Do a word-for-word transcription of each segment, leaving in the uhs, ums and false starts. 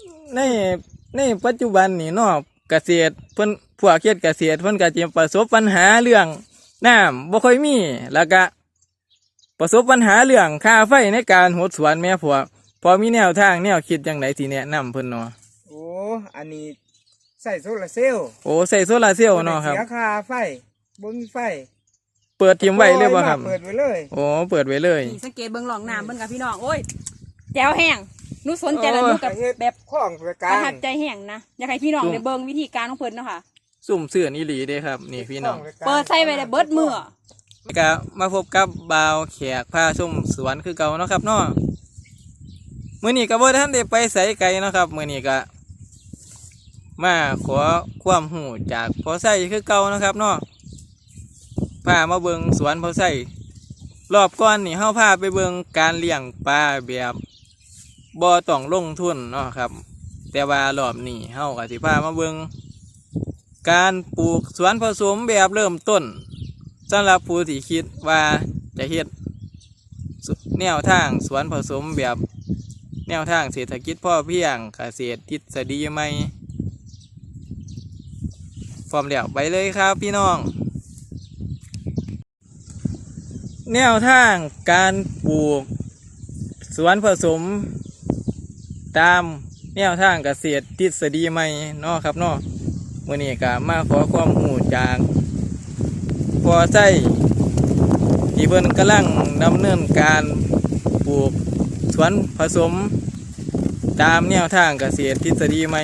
ในในปัจจุบันนี่เนาะเกษตรเพิ่นพวกเฮ็ดเกษตรเพิ่นก็จะประสบปัญหาเรื่องน้ำบ่ค่อยมีแล้วก็ประสบปัญหาเรื่องค่าไฟในการหดสวนแม่พวกพอมีแนวทางแนวคิดจังไดสิแนะนำเพิ่นเนาะโอ้อันนี้ใส่โซลาร์เซลล์โอ้ใส่โซลาร์เซลล์เนาะครับเสียค่าไฟบ่มีไฟเปิดทิ้งไว้เลยบ่ครับเปิดไว้เลยโอ้เปิดไว้เลยนี่สังเกตเบิ่งหลองน้ำเบิ่งกับพี่น้องโอ้ยแจ๋วแห้งหนูสนใจแล้วหนูกับแบบข้องประประทับใจแห้งนะอยากให้พี่น้องได้เบิ่งวิธีการของเพิ่นเนาะค่ะซุ่มเสื่อนอีหลีเด้ครับนี่พี่น้องเปิดใส่ไว้ได้เบิดมื้อก็มาพบกับบ่าวแขกพาชมสวนคือเก่าเนาะครับเนาะมื้อนี้ก็บ่ทันได้ไปไสไกลเนาะครับมื้อนี้ก็มาขอความรู้จากพ่อไส้คือเก่านะครับเนาะพามาเบิ่งสวนพ่อไส้รอบก่อนนี่เฮาพาไปเบิ่งการเลี้ยงปลาแบบบ่ต้องลงทุนเนาะครับแต่ว่ารอบนี้เฮาก็สิพามาเบิ่งการปลูกสวนผสมแบบเริ่มต้นสำหรับผู้ที่คิดว่าจะเฮ็ดแนวทางสวนผสมแบบแนวทางเศรษฐกิจพอเพียงเกษตรทฤษฎีใหม่พร้อมแล้วไปเลยครับพี่น้องแนวทางการปลูกสวนผสมตามแนวทางเกษตรทฤษฎีใหม่เนาะครับเนาะมื้อนี้ก็มาขอความรู้จากพ่อไส้ที่เพิ่นกำลังดำเนินการปลูกสวนผสมตามแนวทางเกษตรทฤษฎีใหม่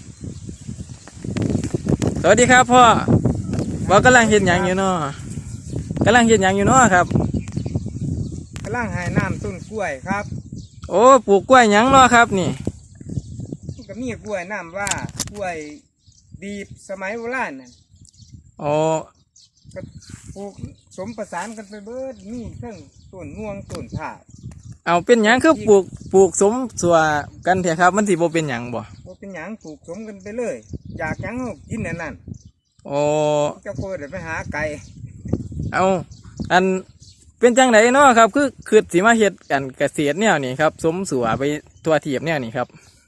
สวัสดีครับพ่อว่ากำลังเฮ็ดหยังอยู่เนาะกำลังเฮ็ดหยังอยู่เนาะครับกำลังให้น้ำต้นกล้วยครับโอ้ปลูกกล้วยหยังเนาะครับนี่ก็มีกล้วยน้ำว่ากล้วยดีบสมัยโบราณน่ะอ๋อก็ปลูกสมประสานกันไปเบิดมีเครื่องต้นม่วงต้นผ่าเอาเป็นหยังคือปลูกปลูกสมสัวกันเถอะครับมันสิบ่เป็นหยังบ่บ่เป็นหยังปลูกสมกันไปเลยอยากหยังเฮากินอันนั้นโอ้เจ้าโคตรไปหาไก่เอาอันเป็นจังไดเนาะครับคือคือสิมาเฮ็ดกันเกษตรแนวนี้ครับสมสัวไปทั่วทีบแนวนี้ครับ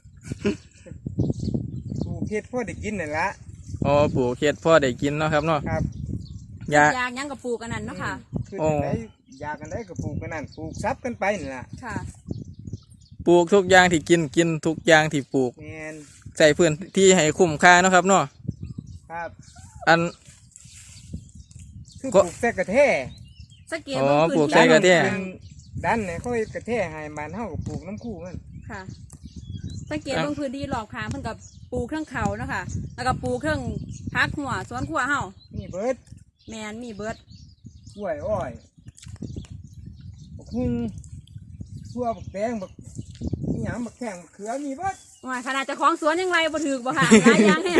ปลูกเฮ็ดพอได้กินนั่นละอ๋อปลูกเฮ็ดพอได้กินเนาะครับเนาะครับอยากอยากหยังก็ปลูกอันนั้นเนาะค่ะคือจังไดอยากกันได้ก็ปลูกกันนั่นปลูกซับกันไปนี่ล่ะค่ะปลูกทุกอย่างที่กินกินทุกอย่างที่ปลูกแม่นใส่พื้นที่ให้คุ้มค่าเนาะครับเนาะครับอันคือปลูกแต่กระแทสังเกตเบิ่งพื้นที่ดันเนี่ยเขาเฮ็ดกระแทให้มันเฮาก็ปลูกน้ำคู่มันค่ะสังเกตเบิ่งพื้นที่รอบข้างเพิ่นก็ปลูกเครื่องเขาเนาะค่ะแล้วก็ปลูกเครื่องพักหัวสวนครัวเฮามีเบิดแม่นมีเบิดกล้วยอ้อยบักหุ่งทั่วบักแตงบักอีหยังบักแข้งบักเขือมีเบิดว่าขนาดเจ้าของสวนยังไรบ่ถูกบ่ค่ะหลายอย่างแฮะ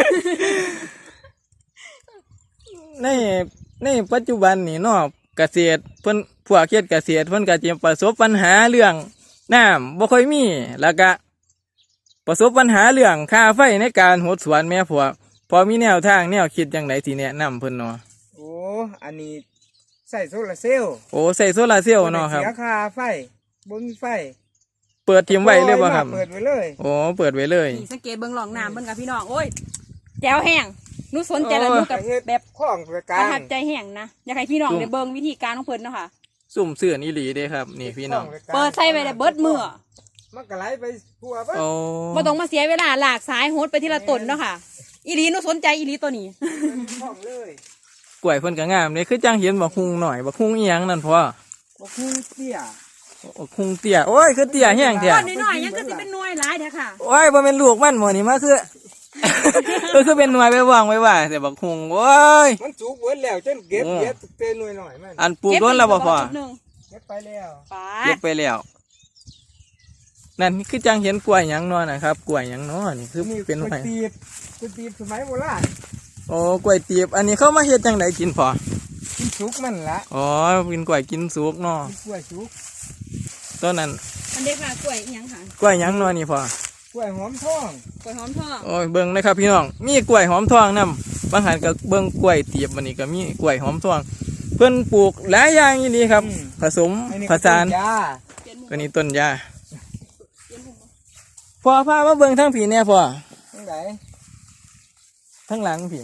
ในในปัจจุบันนี่เนาะเกษตรเพิ่นพวกเฮ็ดเกษตรเพิ่นก็จะประสบปัญหาเรื่องน้ำบ่ค่อยมีแล้วก็ประสบปัญหาเรื่องค่าไฟในการหดสวนแม่พวกพอมีแนวทางแนวคิดจังไดสิแนะนำเพิ่นเนาะโอ้อันนี้ใส่โซลาร์เซลล์โอ้ใส่โซลาร์เซลล์เนาะครับเสียค่าไฟบ่มีไฟเปิดทิ้งไว้เลยบ่ครับเปิดไว้เลยโอ้เปิดไว้เลยนี่สังเกตเบิ่งหลองน้ำเบิ่งกับพี่น้องโอ้ยแจ๋วแห้งหนูสนใจแล้วหนูกับแบบข้องประประทับใจแห้งนะอยากให้พี่น้องได้เบิ่งวิธีการของเพิ่นเนาะค่ะซุ่มเสื่อนอีหลีเด้ครับนี่พี่น้องเปิดใส่ไว้ได้เบิดมื้อมันก็ไหลไปทั่วเบิดบ่ต้องมาเสียเวลาลากสายโหดไปทีละต้นเนาะค่ะอีหลีหนูสนใจอีหลีตัวนี้ข้องเลยกล้วยเพิ่นก็งามเลยคือจังเห็นบักฮุงหน่อยบักฮุงอีหยังนั่นพ่อบักฮุงเตี้ยบักฮุงเตี้ยโอ้ยคือเตี้ยแห้งแท้ต้นน้อยๆยังก็สิเป็นหน่วยหลายแท้ค่ะโอ้ยบ่แม่นลูกมันหม้อนี่มาคือก็คือเป็นหน่วยไปวางไว้ว่าแต่บักฮุงโอ้ยมันสุกเบิดแล้วจนเก็บเก็บเป็นหน่วยหน่อยมันอันปลูกโดนแล้วบ่พ่อเก็บไปแล้วเก็บไปแล้วนั่นคือจังเห็นกล้วยหยังเนาะนะครับกล้วยหยังเนาะนี่คือเป็นหน่วยตีบตีบสมัยโบราณโอ้กล้วยตีบอันนี้เข้ามาเฮ็ดจังไดกินพอกินสุกมันละอ๋อกินกล้วยกินสุกเนาะกล้วยสุกต้นนั้นอันเด็กค่ะกล้วยหยังค่ะกล้วยหยังเนาะนี่พอกล้วยหอมทองกล้วยหอมทองโอ้ยเบิ่งนะครับพี่น้องมีกล้วยหอมทองนำบางหันก็เบิ่งกล้วยตีบอันนี้ก็มีกล้วยหอมทองเพิ่นปลูกหลายอย่างอย่างนี้ครับผสมผสานตัวนี้ต้นยาผพ่อพามาเบิ่งทั้งผีเนี่ยพ่อทั้งไหนทั้งหลังผี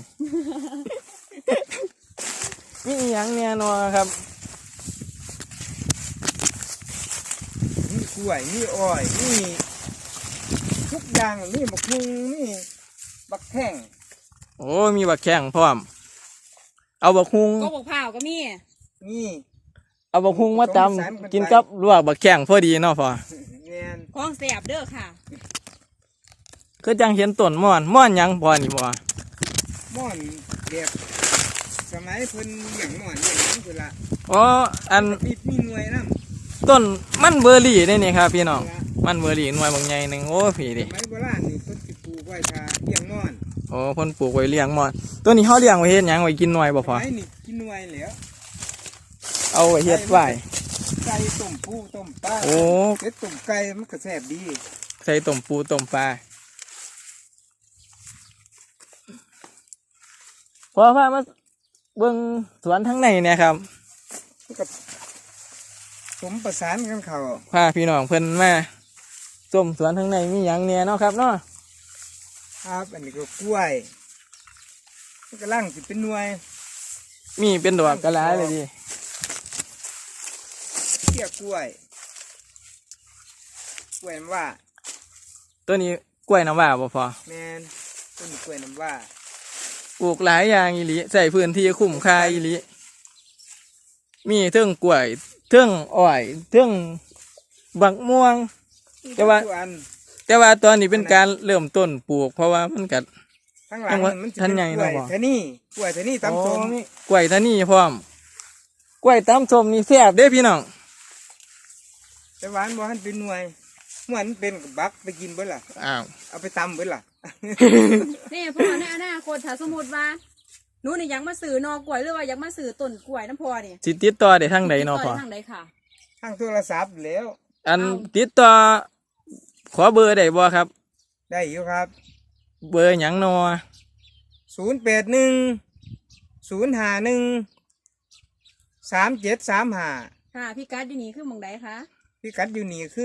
มีอหยังเนี่ยนัวครับมีกล้วยมีอ้อยมีทุกอย่างมีบักฮุงมีบักแข้งโอ้มีบักแข้งพร้อม เอาบักฮุงก็บอกผ่าวก็มีมีเอาบักฮุงมาตผสมผสานกันไปำกินกับลวกบักแข้งพอดีเนาะพ่อแม่นของแสบเด้อค่ะคือจังเห็นต้นม่อนม่อนหยังพ่อนี่บ่ม่อนแบบสมัยเพิ่นเลี้ยงม่อนเลี้ยงหยังพุ่นละอ๋ออันมีมีหน่วยนำต้นมันเบอร์รี่นี่นี่ครับพี่น้องมันเบอร์รี่หน่วยบางใหญ่หนึ่งโอ้ผีสดิมัยโบราณนี่เพิ่นสิปลูกไว้ทาเลี้ยงม่อนโอ้เพ่นปลูกไว้เลี้ยงม่อนตัวนี้เขาเลี้ยงไว้เฮ็ดหยังไว้กินหน่วยบ่สพ่อมัยนี่กินหน่วยแล้วเอาไว้เฮ็ดไว้ไก่ต้มปูต้มปลาโอ้เฮ็ดต้มไก่มันก็แซ่บดีใส่ต้มปูต้มปลาพอพามาเบิ่งสวนทั้งในเนี่ยครับมันก็สมประสานกันเข้าพาพี่น้องเพิ่นมาส้มสวนทั้งในมีหยังเนี่ยเนาะครับเนาะครับอันนี้ก็กล้วยมันกำลังสิเป็นหน่วยมีเป็นดอกกระหลายเลยดิเขี้ยกล้วยกล้วยน้ำว่าตัวนี้กล้วยน้ำว้าบ่พอแมนต้นกล้วยน้ำว่าปลูกหลายอย่างอีหลีใส่พื้นที่คุ้มค่าอีหลีมีเทิงกล้วยเทิงอ้อยเทิงบักม่วง แต่ว่าทุกอันแต่ว่าตอนนี้เป็นการเริ่มต้นปลูก เพราะว่ามันกัดทั้งหลังจังหวะมันจะท่านเป็นใหญ่กล้วยเนาะบ่ทะนี่กล้วยทะนี่ตำส้มอ๋อมีกล้วยท่านี่พร้อมกล้วยตำส้มนี่แซ่บเด้พี่น้องแต่หวานบ่ทันเป็นหน่วยเหมือนเป็นกับบักไปกินเบิดล่ะอ้าวเอาไปตำเบิดล่ะนี่พ่อในอนาคตถ้าสมมติว่าหนูนี่อยากมาสื่อนอกล้วยหรือว่าอยากมาสื่อต้นกล้วยน้ำพ่อนี่สิติดต่อได้ทางใดเนาะพ่อติดต่ทางใดค่ะทางโทรศัพท์แล้วอันเอาติดต่อขอเบอร์ได้บ่ครับได้อยู่ครับเบอร์หยังเนาะศูนย์แปดหนึ่งศูนย์ห้าหนึ่งสามเจ็ดสามห้าค่ะพี่การ์ดอยู่นี่คือหมองใดคะพิกัดอยู่นี่คือ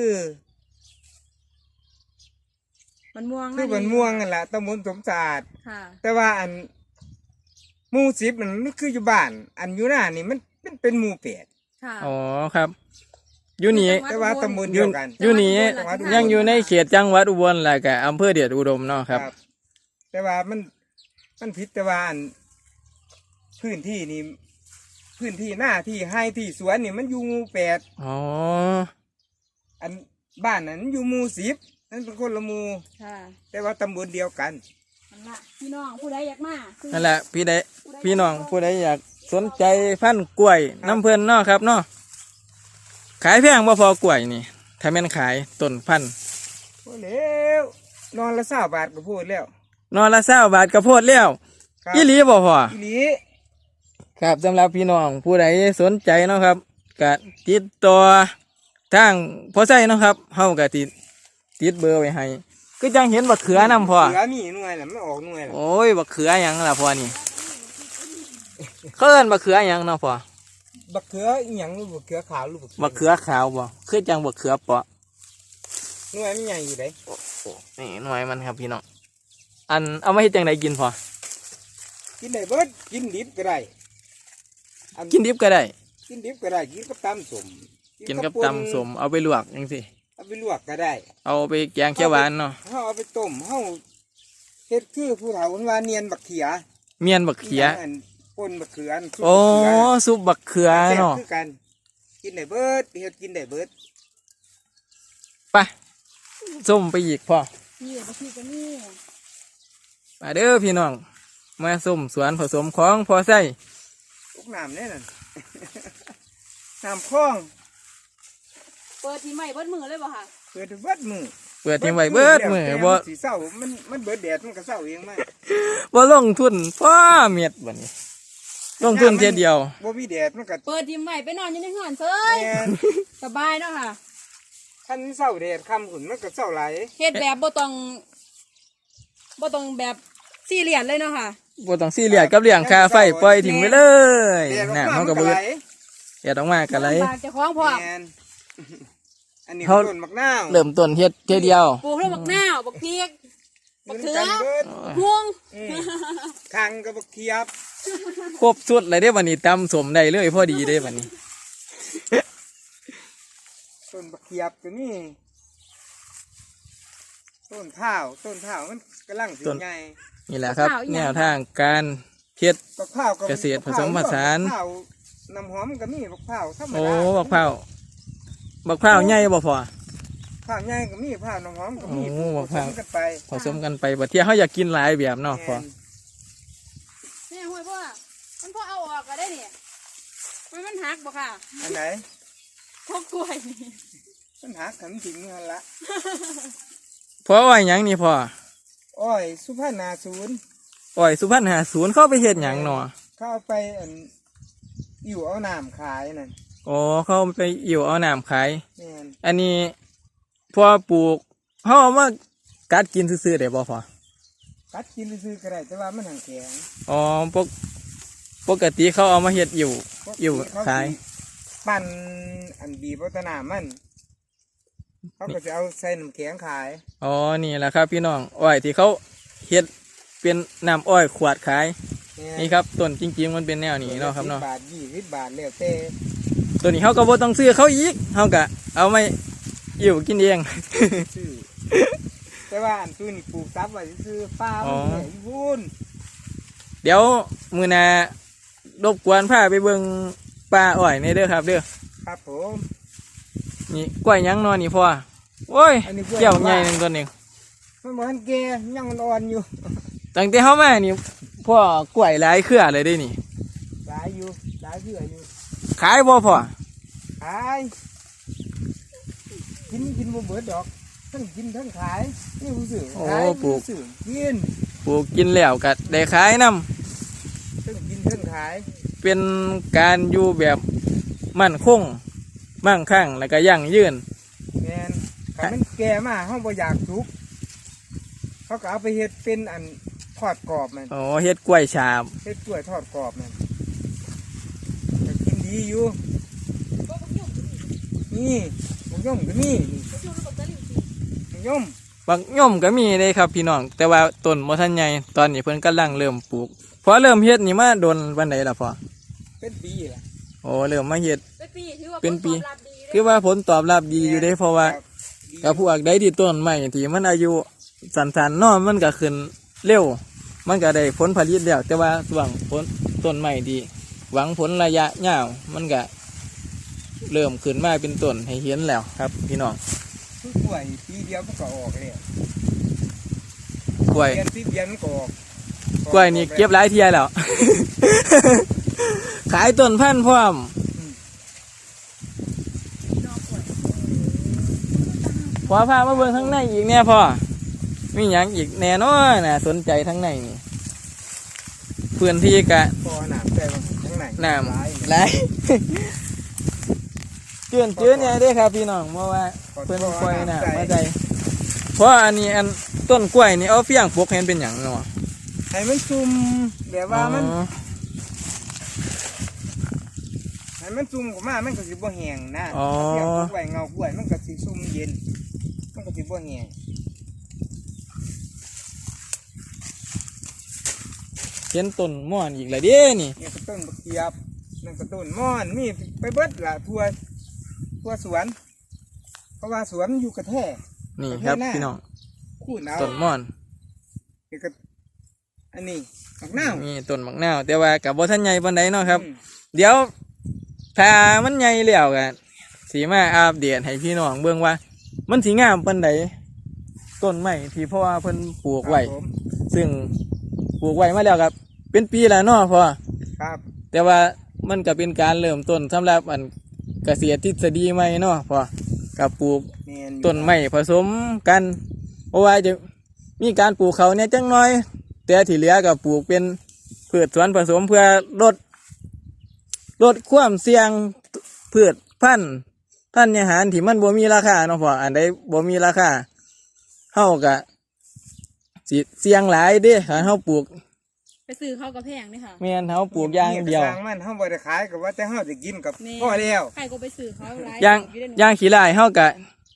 มันม่วงคือบันม่วงนั่นแหละตำบลสมสะอาดค่ะแต่ว่าอันหมู่สิบมันมันคืออยู่บ้าน อันอยู่หน้านี่มันเป็นเป็นหมู่แปดค่ะอ๋อครับอยู่นี่แต่ว่าตำบลเดียวกันอยู่นี่จังหวัดอุบลยังอยู่ในเขตจังหวัดอุบลแหละกับอำเภอเดชอุดมเนาะครับแต่ว่ามันมันผิดแต่ว่าอันพื้นที่นี่พื้นที่หน้าที่ให้ที่สวนนี่มันอยู่หมู่แปดอ๋ออันบ้านนั้นอยู่หมู่สิบนั่นเป็นคนละหมู่ค่ะแต่ว่าตำบลเดียวกันนั่นละพี่น้องผู้ใดอยากมาซื้อนั่นแหละพี่ใดพี่น้องผู้ใดอยากสนใจพันธุ์กล้วยน้ำเพื่อนเนาะครับเนาะขายแพงบ่พอกล้วยนี่ถ้าแม่นขายต้นพันธุ์โอ้แล้วนอนละเศร้าบาทก็พูดแล้วนอนละเศร้าบาทกระโพดแล้วครับอีหลีบ่พออีหลีครับสำหรับพี่น้องผู้ใดสนใจเนาะครับก็ติดต่อทางพอใส่เนาะครับเฮาก็ติดติดเบอร์ไว้ให้ก็จังเห็นบักเขือนำพ่อเหลือมีหน่วยแหละมันออกหน่วยแหละโอ้ยบักเขือหยังล่ะพ่อนี่เขาเอิ้นบักเขือหยังเนาะพ่อบักเขืออีหยังหรือบักเขือขาวหรือบักบักเขือขาวบ่คือจังบักเขือเปาะหน่วยมันใหญ่อยู่ไหนนี่หน่วยมันครับพี่น้องอันเอามาเฮ็ดจังไดกินพ่อกินได้เบิดกินดิบก็ได้อักินดิบก็ได้กินดิบก็ได้กินกับตำสมกินกับป่ตำสมเอาไปลวกจังซี่เอาไปลวกก็ได้เอาไปแกงเขียวหวานเนาะเฮาเอาไปต้มเฮาเฮ็ดคือผู้เฒ่าคนว่าเนียนบักเขียเมียนบักเขียอันป่นบักเขืออันซุปโอ้บักเขือซุปบักเขือแซ่บเนาะคือกัน กินได้เบิดเฮ็ดกินได้เบิดไปส้มไปอีกพ่อนี่บางทีก็นี่มาเด้อพี่น้องมาส้มสวนผสมของพอใส่ตกน้ำแน่นั่น น้ำคลองเปิดทีใหม่เบิดมือเลยบ่ค่ะเปิดเบิดมือเปิดทิ้งไว้เบิดมือแต่บ่มันสีเศร้ามันมันเบิดแดดมันก็เศร้าเองไหมบ่ลงทุนพ่อเม็ดบัดนี้ลงทุนเทียเดียวบ่มีแดดมันก็เปิดทีใหม่ไปนอนอยู่ในห้องเซยแม่นสบายเนาะค่ะคันเศร้าแดดค่ำขุนมันก็เศร้าไหลายเฮ็ดแบบบ่ต้องบ่ต้องแบบซีเรียสเลยเนาะค่ะบ่ต้องซีเรียสกับเรื่องค่าไฟปล่อยทิ้งไปเลยแดดออกน่ะมาเฮามันก็ก็เบิไหดลแดดออกมาก็ไหลลำบากเจ้าของพ่อแม่นอันนี้เขาต้นมะนาวเริ่มต้นเฮ็ดเทอเดียวปลูกทั้งบักนาวบักเพียกบักเขือหมืนนเบิดม่วงอืมคังกับบักเขียบครบสุดเลยเด้บัดนี้ตำสมได้เลยพอดีเด้บัดนี้ต้นบักเขียบก็นี่ต้นข้าวต้นข้าวมันกำลังสิใหญ่นี่แหละครับ แนวทางการเฮ็ดบักข้าวเกษตรผสมผสานบักข้าวน้ำหอมก็มีบักข้าวธรรมดาโอ้บักพร้าวบักพร้าวใหญ่บ่พอข้าวใหญ่ก็มีข้าวน้ำหอมก็มีโอ้บักผข้าวสมกันไปผสมกันไปบัดเที่ยเฮาอยากกินหลายแบบเนาะพอแม่นนี่ห้วยพ่อมันพ่อเอาออกก็ได้เนี่ยมันมันหักบ่ค่ะอันไหนพวกกล้วยนี่ปัญหาขันถึงนั่นละพออ้อยหยังนี่พออ้อยสุพรรณาศูนย์อ้อยสุพรรณหาศูนย์เข้าไปเฮ็ดหยังเนาะเข้าไปอันอยู่เอาน้ำขายนั่นอ๋อเข้าไปอิ่วเอาน้ำขายแม่นอันนี้พอปลูกเฮาเอามากัดกินซื่อๆได้บ่พอกัดกินซื้อๆก็ได้แต่ว่ามันห่างแข็งอ๋อปกปกติเขาเอามาเฮ็ดอิ่วเพราะอิ่วเขขายสิปั่นอันบีบวัฒนามันเขาก็จะเอาใส่น้ำแข็งขายอ๋อนี่แหละครับพี่น้องอ้อยที่เขาเฮ็ดเป็นน้ำอ้อยขวดขายแม่นนี่ครับต้นจริงๆมันเป็นแนวนี้เนาะครับเนาะสิบบาทยี่สิบบาทแล้วแต่ตัวนี้เขาก็บ่ต้องซื้อเขาอีกเขาก็เอามาอิ่วกินเองซื้อแต่ว่าอันตู้นี่ปลูกซับไว้ซื้อๆป้าอ๋มันอเหนื่อยวุ่นเดี๋ยวมื้อหน้ารบกวนพาไปเบิ่งป่าอ้อยนี่เด้อครับเด้อครับผมนี่กล้วยหยังเนอนนี่พ่อโอ้ยอันนี้กล้วยเกี่ยวใหญ่หนึงตัวนึงมันบอกมันแก่ยังมันอ่อนอยู่ตั้งแต่เฮามานี่พ่อกล้วยหลายเครือเลยเด้นี่หลายอยู่หลายเชื่ออยู่ขายบ่พ่อขายกินกินบ่เบิดดอกทั้งกินทั้งขายนี่ผู้สื่อโอ้ขายปลูกผู้สื่อกินปลูกกินแล้วก็ได้ขายนํทั้งกินทั้งขายเป็นการอยู่แบบมั่นคงมั่งคั่งแล้วก็ยั่งยืนแมนถ้ามันแก่มาเฮาบ่อยากสุกเขาก็เอาไปเฮ็ดเป็นอันทอดกรอบมันโอ้เฮ็ดกล้วยฉาบเฮ็ดกล้วยทอดกรอบมันก็กินดีอยู่ก็บักยุ่งนี่มะย่อมก็นี่นี่บักยุ่งแล้วบักตะลิวสิมะย่อมบักย่อมก็มีเลยครับพี่น้อง แต่ว่าต้นบ่ทันใหญ่ตอนนี้เพิ่นกำลังเริ่มปลูกพอเริ่มเฮ็ดนี่มาโดนวันใดล่ะพ่อเป็นปีล่ะโอ้เริ่มมาเฮ็ดเป็นปีถือว่าเป็นปีผลตอบรับดีเลยคือว่าผลตอบรับดีอยู่เด้เพราะว่าครับดีกับพวกใดที่ต้นใหม่ที่มันอายุสั้นๆเนาะมันก็ขึ้นเร็ว มันก็ได้ผลผลิตแล้วแต่ว่าส่วงผลต้นใหม่ดีหวังผลระยะยาวมันก็เริ่มขึ้นมาเป็นต้นให้เห็นแล้วครับ พี่น้องคือกล้วยปีเดียวมันก็ออกแล้วกล้วยเดือนสิบเดือนมันก็ออกกล้วยนี่เก็บหลายเทียแล้ว ขายต้นพันธุ์พร้อมดอกกล้วยพอพามาเบิ่งข้างในอีกเนี่ยพ่อมีหยังอีกแน่นอนน่ะสนใจทั้งในนี่พื้นที่กะพอหนามใส่มาข้างในน้หลายำไหลาย เจือนเจือนเนี่ยเด้อครับพี่น้องเพราะว่าเพื่อนกล้วยน้ำมาใจเพราะอันนี้อันต้นกล้วยนี่เอาเฟี้ยงปลูกเห็นเป็นอย่างเนาะให้มันซุ่มแบบว่ามันอ๋อให้มันซุ่มกว่ามามันก็สิบ่แห้งนะอ๋อเทียบกับกล้วยเงากล้วยมันก็สิซุ่มเย็น มันก็สิบ่แห้งเห็นต้นม่อนอีกแล้วเด้นี่นี่ก็ต้นบักเขียบนั่นก็ต้นม่อนมีไปเบิดละทั่วทั่วสวน เพราะว่าสวนอยู่กระแทกนี่ครับพี่น้องคูดเอาต้นม่อนนี่ก็อันนี้บักนาวมีต้นมักนาวแต่ว่ากับบ่ทันใหญ่ปานใดเนาะครับอืมเดี๋ยวถ้ามันใหญ่แล้วกันสีมาอัปเดตให้พี่น้องเบิ่งว่า มันสีงามปานใดต้นไม้ที่พ่อเพิ่นปลูกไว้ครับผมซึ่งปลูกไว้มาแล้วครับเป็นปีแล้วเนาะพ่อครับแต่ว่ามันก็เป็นการเริ่มต้นสำหรับอันเกษตรทฤษฎีใหม่เนาะพ่อกับปลูกแม่อยู่ต้นไม้ผสมกันเพราะว่าจะมีการปลูกเขาเนี่ยจังน้อย แต่ที่เหลือก็ปลูกเป็นพืชสวนผสมเพื่อลดลดความเสี่ยงพืชพันธุ์พันธุ์อาหารที่มันบ่มีราคาเนาะพ่ออันใดบ่มีราคาเฮาก็สิเสี่ยงหลายเด้ถ้าเฮาปลูกไปซื้อเขาก็แพงนี่ค่ะแม่นเฮาปลูกอย่างเดียวนี่ก็สร้างมันเฮาบ่ได้ขายก็ว่าแต่เฮาจะกินกับแม่พ่อแล้วใครก็ไปซื้อเขาหลายอย่างอยู่ได้หนูอย่างขี้ลายเฮาก็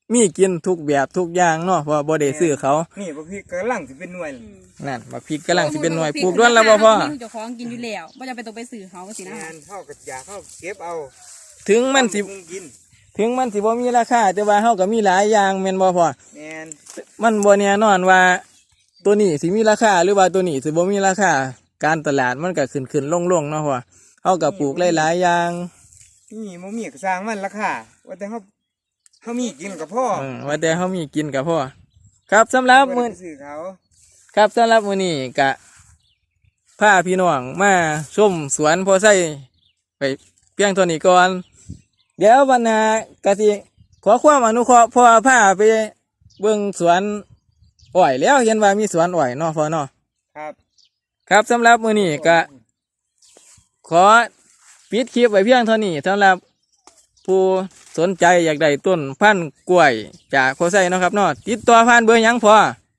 มีกินทุกแบบทุกอย่างเนาะเพราะบ่ได้ซื้อเขานี่บักพริกกำลังสิเป็นหน่วยอืมนั่นบักพริกกำลังสิเป็นหน่วยปลูกด้วนแล้วบ่พ่อเจ้าของกินอยู่แล้วบ่จำเป็นต้องไปซื้อเขาสินะงานเข้ากับยาเข้าเก็บเอาถึงมันสิทำให้กินถึงมันสิบ่มีราคาแต่ว่าเฮาก็มีหลายอย่างแม่นบ่พ่อแมนมันบ่แน่นอนว่าตัวนี้สิมีราคาหรือว่าตัวนี้สิบ่มีราคาการตลาดมันก็ขึ้นขึ้นลงลงเนาะพ่อเฮาก็ปลูกหลายๆอย่างนี่มมีก็สร้างมันราคาว่าแต่เขาเขามีกินกับพ่อเออว่าแต่เฮามีกินก็พอครับสำหรับมื้อบ่ได้ไปซื้อเขาครับสำหรับมื้อนี้ก็พาพี่น้องมาชมสวนพอไส้ไปเพียงเท่านี้ก่อนเดี๋ยววันหน้าก็สิขอความอนุเคราะห์พ่อพาไปเบิ่งสวนอ้อยแล้วเห็นว่ามีสวนอ้อยเนาะพ่อเนาะครับครับสำหรับมื้อนี้ก็ขอปิดคลิปไว้เพียงเท่านี้สำหรับผู้สนใจอยากได้ต้นพันธุ์กล้วยจากพอไส้เนาะครับเนาะติดต่อผ่านเบอร์หยังพ่อ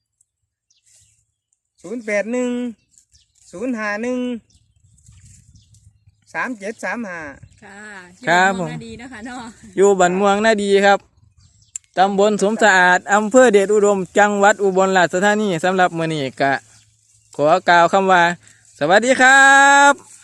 ศูนย์แปดหนึ่งศูนย์ห้าหนึ่งสามเจ็ดสามห้าค่ะครับอยู่ผมเองดีนะคะเนาะอยู่บ้านม่วงนาดีครับตำบลสมสะอาดอำเภอเดชอุดมจังหวัดอุบลราชธานีสำหรับมื้อนี้ก็ขอกล่าวคำว่า สวัสดีครับ